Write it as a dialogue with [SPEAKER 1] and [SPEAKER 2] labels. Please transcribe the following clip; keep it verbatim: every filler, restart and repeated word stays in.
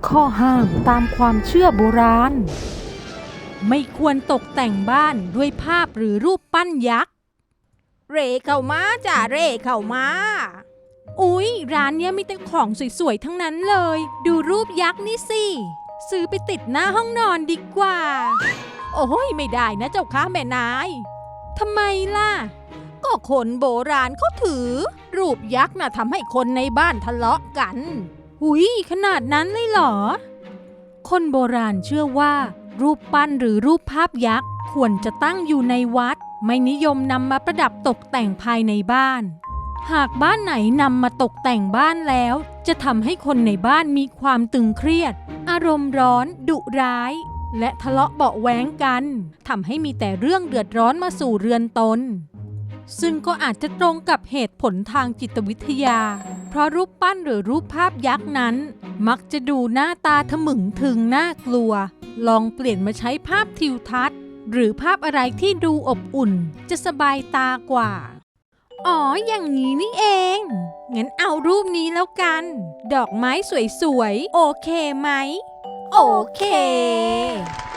[SPEAKER 1] ข้อห้ามตามความเชื่อโบราณไม่ควรตกแต่งบ้านด้วยภาพหรือรูปปั้นยักษ์
[SPEAKER 2] เร่เข้ามาจ้าเร่เข้ามา
[SPEAKER 1] อุ๊ยร้านเนี้ยมีแต่ของสวยๆทั้งนั้นเลยดูรูปยักษ์นี่สิซื้อไปติดหน้าห้องนอนดีกว่า
[SPEAKER 2] โอ้ยไม่ได้นะเจ้าค่ะแม่นาย
[SPEAKER 1] ทำไมล่ะ
[SPEAKER 2] ก็คนโบราณเขาถือรูปยักษ์น่ะทำให้คนในบ้านทะเลาะกัน
[SPEAKER 1] หุยขนาดนั้นเลยเหรอคนโบราณเชื่อว่ารูปปั้นหรือรูปภาพยักษ์ควรจะตั้งอยู่ในวัดไม่นิยมนำมาประดับตกแต่งภายในบ้านหากบ้านไหนนำมาตกแต่งบ้านแล้วจะทำให้คนในบ้านมีความตึงเครียดอารมณ์ร้อนดุร้ายและทะเลาะเบาะแว้งกันทำให้มีแต่เรื่องเดือดร้อนมาสู่เรือนตนซึ่งก็อาจจะตรงกับเหตุผลทางจิตวิทยาเพราะรูปปั้นหรือรูปภาพยักษ์นั้นมักจะดูหน้าตาทะมึงถึงน่ากลัวลองเปลี่ยนมาใช้ภาพทิวทัศน์หรือภาพอะไรที่ดูอบอุ่นจะสบายตากว่าอ๋ออย่างนี้นี่เองงั้นเอารูปนี้แล้วกันดอกไม้สวยๆโอเคไหม
[SPEAKER 2] โอเค